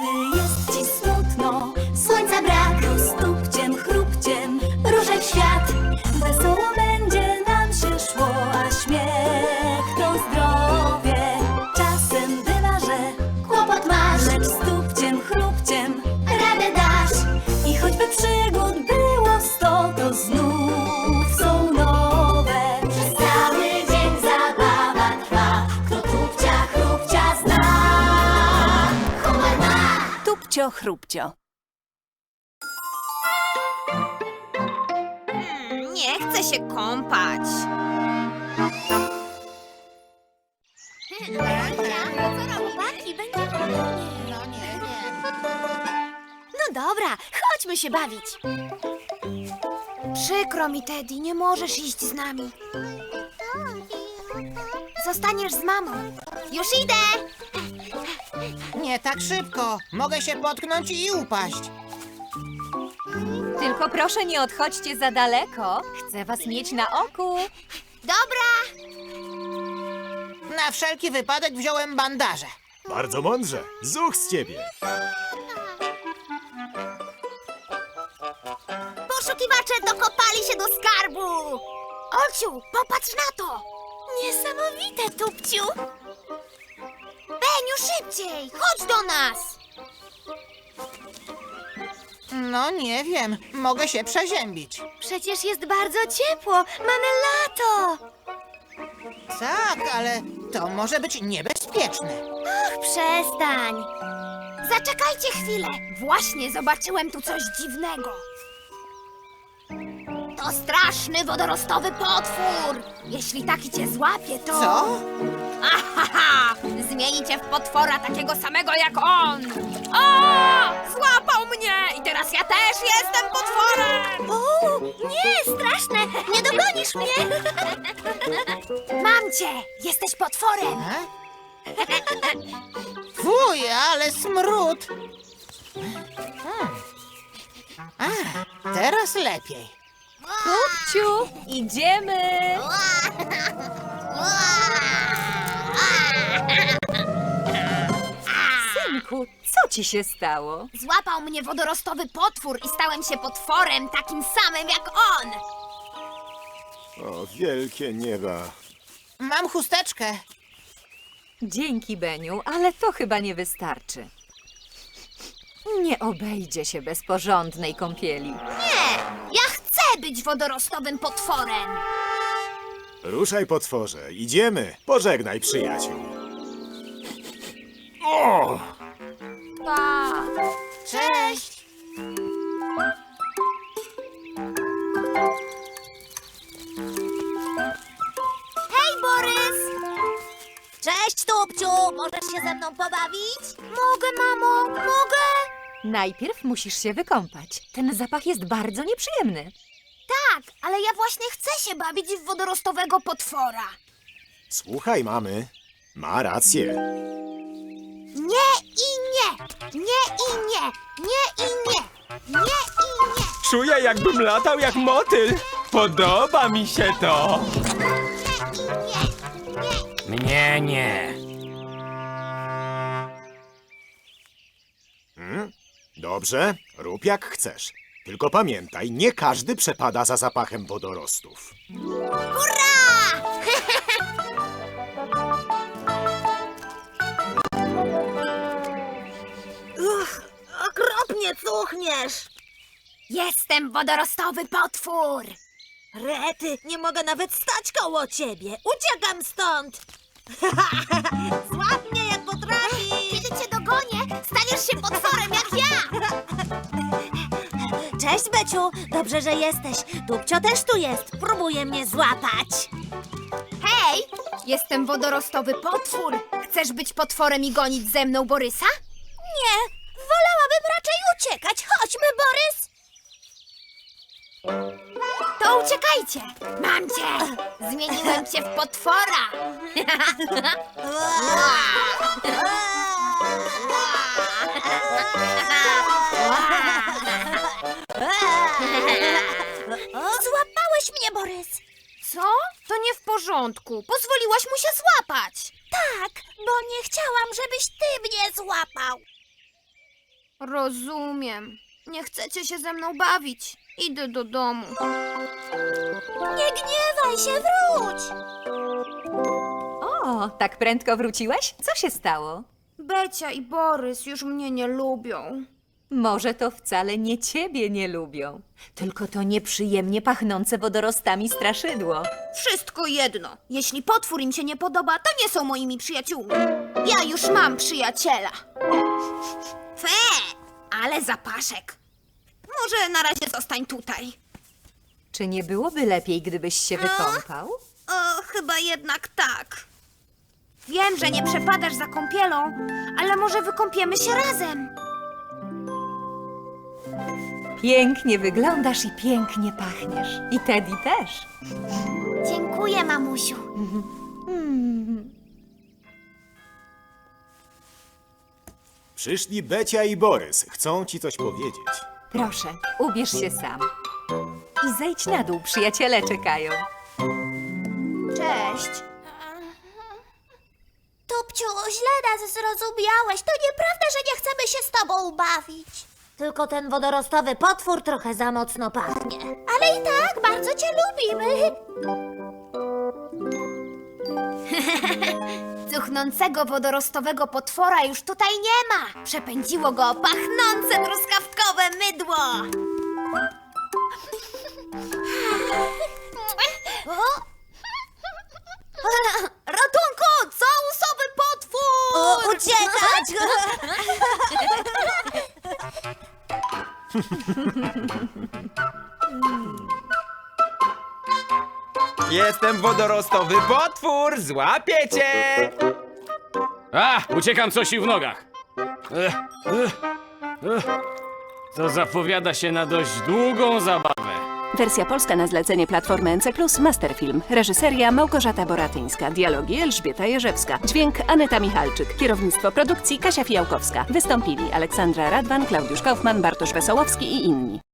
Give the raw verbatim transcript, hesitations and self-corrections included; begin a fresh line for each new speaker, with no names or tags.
Gdy jest ci smutno, słońca brak, roztupciem, chrupciem, ruszaj w świat. Wesoło będzie nam się szło, a śmiech to zdrowie. Czasem bywa, że kłopot masz, lecz stupciem, chrupciem radę dasz. I choćby przygód było sto, to znów są nowe. Przez cały dzień zabawa trwa, kto tupcia, chrupcia zna. Humor ma!
Tupcio, chrupcio.
Hmm, nie chcę się kąpać.
Chłopaki, będzie fajnie. No nie, nie. No dobra, chodźmy się bawić. Przykro mi, Teddy, nie możesz iść z nami. Zostaniesz z mamą. Już idę!
Nie tak szybko. Mogę się potknąć i upaść.
Tylko proszę nie odchodźcie za daleko. Chcę was mieć na oku.
Dobra!
Na wszelki wypadek wziąłem bandaże.
Bardzo mądrze. Zuch z ciebie.
Poszukiwacze dokopali się do skarbu! Olciu, popatrz na to! Niesamowite, Tupciu! Beniu, szybciej! Chodź do nas!
No nie wiem. Mogę się przeziębić.
Przecież jest bardzo ciepło! Mamy lato!
Tak, ale to może być niebezpieczne.
Ach, przestań! Zaczekajcie chwilę! Właśnie zobaczyłem tu coś dziwnego. To straszny wodorostowy potwór! Jeśli taki cię złapie, to...
Co?
Ahaha! Zmieni cię w potwora takiego samego jak on! O! Złapał mnie! I teraz ja też jestem potworem!
O, nie, straszne! Nie dogonisz mnie! Mam cię! Jesteś potworem!
A? Fuj, ale smród. Hmm. A, teraz lepiej.
Tupciu, idziemy. Synku, co ci się stało?
Złapał mnie wodorostowy potwór i stałem się potworem takim samym jak on!
O, wielkie nieba.
Mam chusteczkę.
Dzięki, Beniu, ale to chyba nie wystarczy. Nie obejdzie się bez porządnej kąpieli.
Nie! Ja chcę być wodorostowym potworem!
Ruszaj, potworze. Idziemy. Pożegnaj przyjaciół. O!
Pa!
Cześć.
Hej, Borys! Cześć, Tupciu! Możesz się ze mną pobawić? Mogę, mamo, mogę!
Najpierw musisz się wykąpać. Ten zapach jest bardzo nieprzyjemny.
Tak, ale ja właśnie chcę się bawić w wodorostowego potwora.
Słuchaj, mamy. Ma rację.
Nie i nie! Nie i nie! Nie i nie! Nie i nie!
Czuję, jakbym latał jak motyl. Podoba mi się to.
Mnie nie.
Hmm? Dobrze, rób jak chcesz. Tylko pamiętaj, nie każdy przepada za zapachem wodorostów.
Hurra! Uch, okropnie cuchniesz! Jestem wodorostowy potwór! Rety, nie mogę nawet stać koło ciebie! Uciekam stąd! Złap mnie jak potrafisz! Kiedy cię dogonię, staniesz się potworem jak ja! Cześć, Beciu! Dobrze, że jesteś. Dupcio też tu jest. Próbuje mnie złapać.
Hej! Jestem wodorostowy potwór. Chcesz być potworem i gonić ze mną Borysa?
Nie, wolałabym raczej uciekać. Chodźmy, Borys!
To uciekajcie! Mam cię! Zmieniłem cię w potwora!
Złapałeś mnie, Borys.
Co? To nie w porządku. Pozwoliłaś mu się złapać.
Tak, bo nie chciałam, żebyś ty mnie złapał.
Rozumiem. Nie chcecie się ze mną bawić. Idę do domu.
Nie gniewaj się, wróć!
O, tak prędko wróciłeś? Co się stało?
Becia i Borys już mnie nie lubią.
Może to wcale nie ciebie nie lubią, tylko to nieprzyjemnie pachnące wodorostami straszydło.
Wszystko jedno. Jeśli potwór im się nie podoba, to nie są moimi przyjaciółmi. Ja już mam przyjaciela. Fe, ale zapaszek. Może na razie zostań tutaj.
Czy nie byłoby lepiej, gdybyś się wykąpał?
O, chyba jednak tak. Wiem, że nie przepadasz za kąpielą, ale może wykąpiemy się razem.
Pięknie wyglądasz i pięknie pachniesz. I Teddy też.
Dziękuję, mamusiu.
Przyszli Becia i Borys. Chcą ci coś powiedzieć.
Proszę, ubierz się sam. I zejdź na dół, przyjaciele czekają.
Cześć.
Tupciu, źle nas zrozumiałeś. To nieprawda, że nie chcemy się z tobą bawić. Tylko ten wodorostowy potwór trochę za mocno pachnie. Ale i tak bardzo cię lubimy.
Cuchnącego wodorostowego potwora już tutaj nie ma. Przepędziło go pachnące truskawkowe mydło. Ratunku! Całusowy potwór!
O, uciekać!
Jestem wodorostowy potwór, złapię cię!
A, uciekam coś i w nogach. Ech, ech, ech. To zapowiada się na dość długą zabawę.
Wersja polska na zlecenie Platformy N C plus, Masterfilm. Reżyseria Małgorzata Boratyńska. Dialogi Elżbieta Jerzewska. Dźwięk Aneta Michalczyk. Kierownictwo produkcji Kasia Fijałkowska. Wystąpili Aleksandra Radwan, Klaudiusz Kaufman, Bartosz Wesołowski i inni.